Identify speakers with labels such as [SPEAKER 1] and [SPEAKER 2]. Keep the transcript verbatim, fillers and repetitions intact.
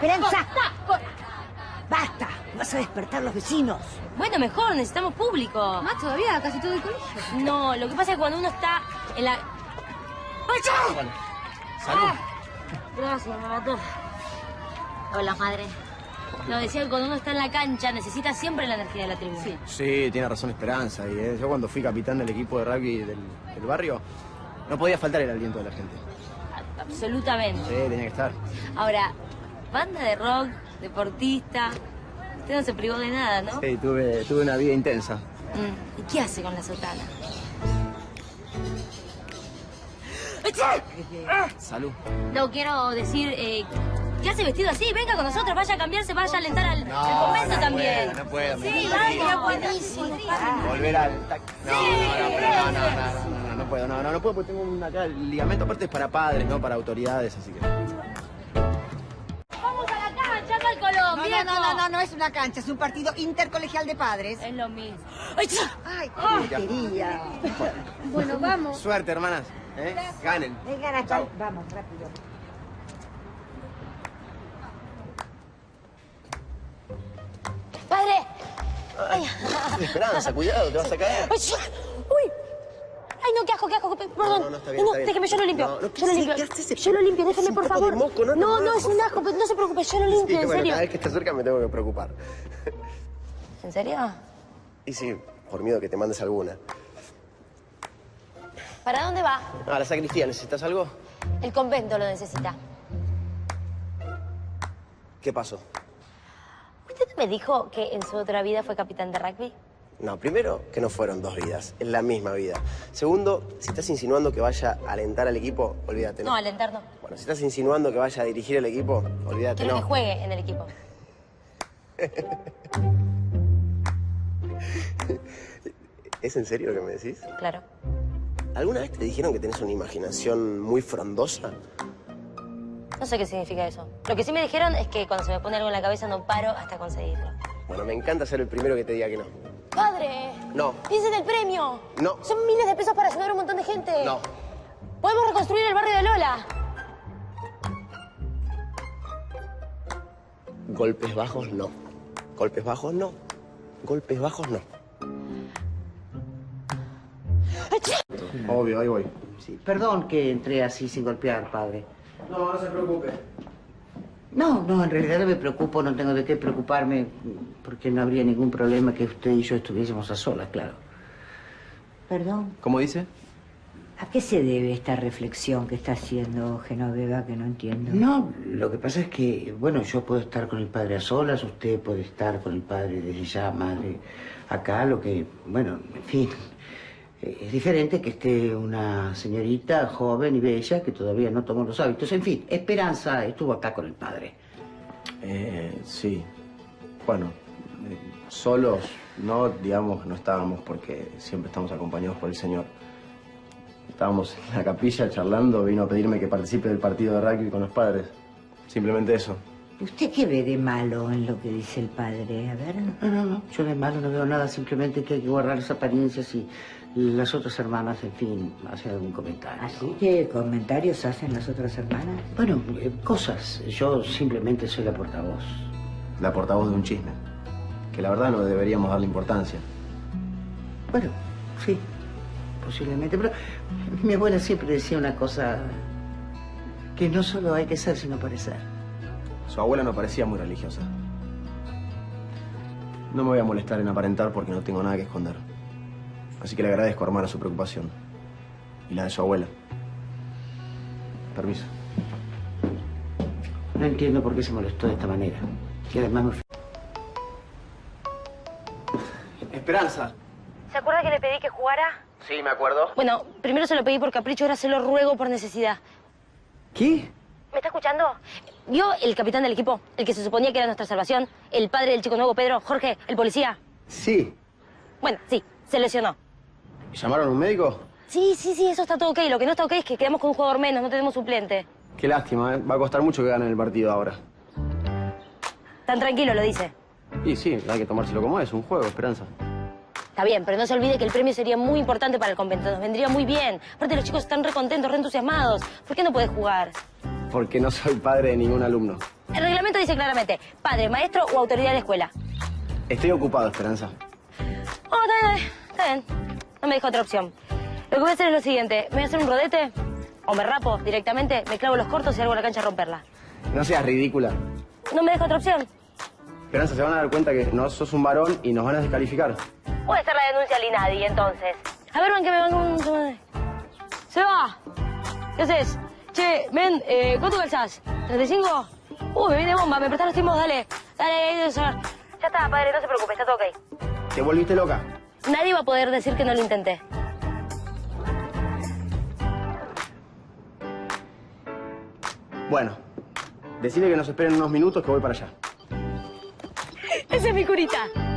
[SPEAKER 1] Esperanza. Basta. Vas a despertar a los vecinos.
[SPEAKER 2] Bueno, mejor, necesitamos público.
[SPEAKER 3] Más todavía, casi todo el colegio.
[SPEAKER 2] No, lo que pasa es que cuando uno está en la... ¡Pacha!
[SPEAKER 4] Bueno, salud.
[SPEAKER 2] Ah, gracias, me mató. Hola, madre. No, decía que cuando uno está en la cancha necesita siempre la energía de la tribuna. Sí.
[SPEAKER 4] Sí, tiene razón Esperanza. Y eh, yo cuando fui capitán del equipo de rugby del, del barrio, no podía faltar el aliento de la gente.
[SPEAKER 2] Absolutamente.
[SPEAKER 4] Sí, tenía que estar.
[SPEAKER 2] Ahora, banda de rock, deportista... Usted no se privó de nada, ¿no?
[SPEAKER 4] Sí, tuve, tuve una vida intensa.
[SPEAKER 2] Mm. ¿Y qué hace con la sotana?
[SPEAKER 4] Salud.
[SPEAKER 2] No, quiero decir, eh, ¿qué hace vestido así? Venga con nosotros, vaya a cambiarse, vaya a alentar al,
[SPEAKER 4] No,
[SPEAKER 2] al convento
[SPEAKER 4] no
[SPEAKER 2] también.
[SPEAKER 4] Puedo, no puedo.
[SPEAKER 2] Sí, vaya, buenísimo.
[SPEAKER 4] Volver al... No, no, no, no, no, no, no, no puedo, no, no, no puedo porque tengo un acá, el ligamento aparte es para padres, no para autoridades, así que...
[SPEAKER 2] Vamos a la cancha, no al Colón,
[SPEAKER 1] No,
[SPEAKER 2] viejo.
[SPEAKER 1] no, no, no, no es una cancha, es un partido intercolegial de padres.
[SPEAKER 2] Es lo mismo.
[SPEAKER 1] Ay, qué porquería.
[SPEAKER 3] Bueno, vamos.
[SPEAKER 4] Suerte, hermanas. ¿Eh? Ganen.
[SPEAKER 1] Vengan acá.
[SPEAKER 4] Chau.
[SPEAKER 1] Vamos, rápido.
[SPEAKER 2] ¡Padre!
[SPEAKER 4] Ay, Esperanza, cuidado, te vas a caer.
[SPEAKER 2] ¡Ay, uy! ¡Ay, no, qué asco, qué asco! Perdón.
[SPEAKER 4] No, no, no, está bien, está bien.
[SPEAKER 2] déjeme, yo lo limpio.
[SPEAKER 4] No, no, ¿qué
[SPEAKER 2] yo lo
[SPEAKER 4] haces?
[SPEAKER 2] limpio.
[SPEAKER 4] ¿Qué haces?
[SPEAKER 2] Yo lo limpio, déjeme,
[SPEAKER 4] Es
[SPEAKER 2] por
[SPEAKER 4] un poco
[SPEAKER 2] favor.
[SPEAKER 4] de moco, no,
[SPEAKER 2] no,
[SPEAKER 4] no,
[SPEAKER 2] no, es un asco, pero no se preocupe, yo lo limpio,
[SPEAKER 4] Sí,
[SPEAKER 2] en
[SPEAKER 4] bueno,
[SPEAKER 2] serio.
[SPEAKER 4] cada vez que estás cerca me tengo que preocupar.
[SPEAKER 2] ¿En serio?
[SPEAKER 4] Y sí, por miedo que te mandes alguna.
[SPEAKER 2] ¿Para dónde va?
[SPEAKER 4] Ah, la sacristía, ¿necesitas algo?
[SPEAKER 2] El convento lo necesita.
[SPEAKER 4] ¿Qué pasó?
[SPEAKER 2] ¿Usted no me dijo que en su otra vida fue capitán de rugby?
[SPEAKER 4] No, primero, que no fueron dos vidas, es la misma vida. Segundo, si estás insinuando que vaya a alentar al equipo, olvídate, ¿no?
[SPEAKER 2] No, alentar no.
[SPEAKER 4] Bueno, si estás insinuando que vaya a dirigir el equipo, olvídate,
[SPEAKER 2] Quiero
[SPEAKER 4] no.
[SPEAKER 2] que juegue en el equipo.
[SPEAKER 4] ¿Es en serio lo que me decís?
[SPEAKER 2] Claro.
[SPEAKER 4] ¿Alguna vez te dijeron que tenés una imaginación muy frondosa?
[SPEAKER 2] No sé qué significa eso. Lo que sí me dijeron es que cuando se me pone algo en la cabeza no paro hasta conseguirlo.
[SPEAKER 4] Bueno, me encanta ser el primero que te diga que no.
[SPEAKER 2] ¡Padre!
[SPEAKER 4] No.
[SPEAKER 2] ¡Piensa en el premio!
[SPEAKER 4] No.
[SPEAKER 2] Son miles de pesos para ayudar a un montón de gente.
[SPEAKER 4] No.
[SPEAKER 2] Podemos reconstruir el barrio de Lola.
[SPEAKER 4] Golpes bajos, no. Golpes bajos, no. Golpes bajos, no. Obvio, ahí voy.
[SPEAKER 5] Sí, perdón que entré así sin golpear, padre.
[SPEAKER 4] No, no se preocupe.
[SPEAKER 5] No, no, en realidad no me preocupo, no tengo de qué preocuparme, porque no habría ningún problema que usted y yo estuviésemos a solas, claro.
[SPEAKER 1] Perdón,
[SPEAKER 4] ¿Cómo dice?
[SPEAKER 1] ¿a qué se debe esta reflexión que está haciendo Genoveva que no entiendo?
[SPEAKER 5] No, lo que pasa es que, bueno, yo puedo estar con el padre a solas, usted puede estar con el padre desde ya, madre, acá, lo que, bueno, en fin... Es diferente que esté una señorita joven y bella que todavía no tomó los hábitos. En fin, Esperanza estuvo acá con el padre.
[SPEAKER 4] Eh, sí. Bueno, eh, solos no, digamos, no estábamos porque siempre estamos acompañados por el Señor. Estábamos en la capilla charlando, vino a pedirme que participe del partido de rugby con los padres. Simplemente eso.
[SPEAKER 1] ¿Usted qué ve de malo en lo que dice el padre? A ver.
[SPEAKER 5] No, no, no, yo de malo no veo nada, simplemente que hay que guardar las apariencias y las otras hermanas, en fin, hacen algún comentario.
[SPEAKER 1] ¿Así que comentarios hacen las otras hermanas?
[SPEAKER 5] Bueno, eh, cosas. Yo simplemente soy la portavoz.
[SPEAKER 4] La portavoz de un chisme. Que la verdad no deberíamos darle importancia.
[SPEAKER 5] Bueno, sí, posiblemente, pero mi abuela siempre decía una cosa, que no solo hay que ser, sino parecer.
[SPEAKER 4] Su abuela no parecía muy religiosa. No me voy a molestar en aparentar porque no tengo nada que esconder. Así que le agradezco, hermana, su preocupación. Y la de su abuela. Permiso.
[SPEAKER 5] No entiendo por qué se molestó de esta manera. Y además me...
[SPEAKER 4] Esperanza.
[SPEAKER 2] ¿Se acuerda que le pedí que jugara?
[SPEAKER 4] Sí, me acuerdo.
[SPEAKER 2] Bueno, primero se lo pedí por capricho, ahora se lo ruego por necesidad.
[SPEAKER 5] ¿Qué?
[SPEAKER 2] ¿Me está escuchando? ¿Vio el capitán del equipo? El que se suponía que era nuestra salvación. El padre del chico nuevo, Pedro, Jorge, el policía.
[SPEAKER 4] Sí.
[SPEAKER 2] Bueno, sí, se lesionó.
[SPEAKER 4] ¿Llamaron a un médico?
[SPEAKER 2] Sí, sí, sí, eso está todo ok. Lo que no está ok es que quedamos con un jugador menos, no tenemos suplente.
[SPEAKER 4] Qué lástima, ¿eh? Va a costar mucho que ganen el partido ahora.
[SPEAKER 2] Tan tranquilo lo dice.
[SPEAKER 4] Y sí, hay que tomárselo como es, un juego, Esperanza.
[SPEAKER 2] Está bien, pero no se olvide que el premio sería muy importante para el convento. Nos vendría muy bien. Aparte, los chicos están re contentos, re entusiasmados. ¿Por qué no puede jugar?
[SPEAKER 4] Porque no soy padre de ningún alumno.
[SPEAKER 2] El reglamento dice claramente, padre, maestro o autoridad de la escuela.
[SPEAKER 4] Estoy ocupado, Esperanza.
[SPEAKER 2] Oh, está bien, está bien. No me deja otra opción. Lo que voy a hacer es lo siguiente. Me voy a hacer un rodete, o me rapo directamente, me clavo los cortos y salgo a la cancha a romperla.
[SPEAKER 4] No seas ridícula.
[SPEAKER 2] No me deja otra opción.
[SPEAKER 4] Esperanza, se van a dar cuenta que no sos un varón y nos van a descalificar.
[SPEAKER 2] Voy a hacer la denuncia al INADI, entonces. A ver, ven, que me van un... ¡Se va! ¿Qué haces? Che, ven, eh, ¿cuánto calzás? ¿treinta y cinco? Uy, me viene bomba, me prestás los timbos, dale. Dale, ahí debe ser. Ya está, padre, no se preocupe, está todo ok.
[SPEAKER 4] ¿Te volviste loca?
[SPEAKER 2] Nadie va a poder decir que no lo intenté.
[SPEAKER 4] Bueno, decirle que nos esperen unos minutos que voy para allá.
[SPEAKER 2] Esa es mi curita.